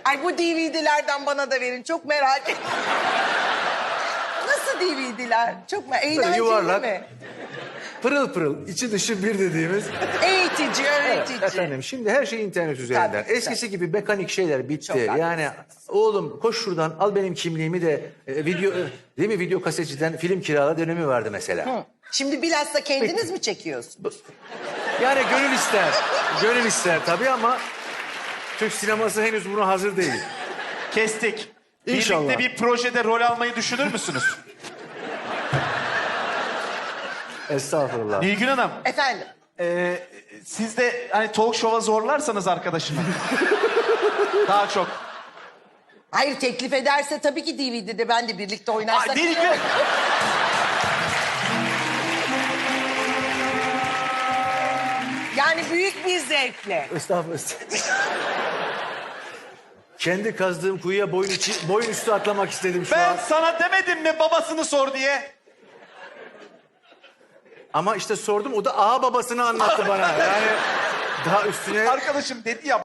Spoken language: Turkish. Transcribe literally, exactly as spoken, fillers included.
Ay bu D V D'lerden bana da verin. Çok merak ettim. Nasıl D V D'ler? Çok merak Eğlenceli yuvarlak. mi? Pırıl pırıl, içi dışı bir dediğimiz. Eğitici, öğretici. Efendim şimdi her şey internet üzerinden. Tabii, Eskisi gibi mekanik şeyler bitti. Çok haklısınız. Yani oğlum koş şuradan al benim kimliğimi de e, video e, değil mi video kasetçiden film kirala dönemi vardı mesela. Hı. Şimdi bilhassa kendiniz mi çekiyorsunuz? Yani gönül ister. Gönül ister tabii ama Türk sineması henüz buna hazır değil. Kestik. İnşallah. Birlikte bir projede rol almayı düşünür müsünüz? Estağfurullah. Nilgün Hanım, Efendim? e, siz de hani talk show'a zorlarsanız arkadaşımı. Daha çok. Hayır teklif ederse tabii ki D V D'de ben de birlikte Aa, oynarsak. Nilgün! Yani büyük bir zevkle. Estağfurullah. Kendi kazdığım kuyuya boyun, içi, boyun üstü atlamak istedim şu Ben an. sana demedim mi babasını sor diye? Ama işte sordum o da ağa babasını anlattı bana. Yani daha üstüne... Arkadaşım dedi ya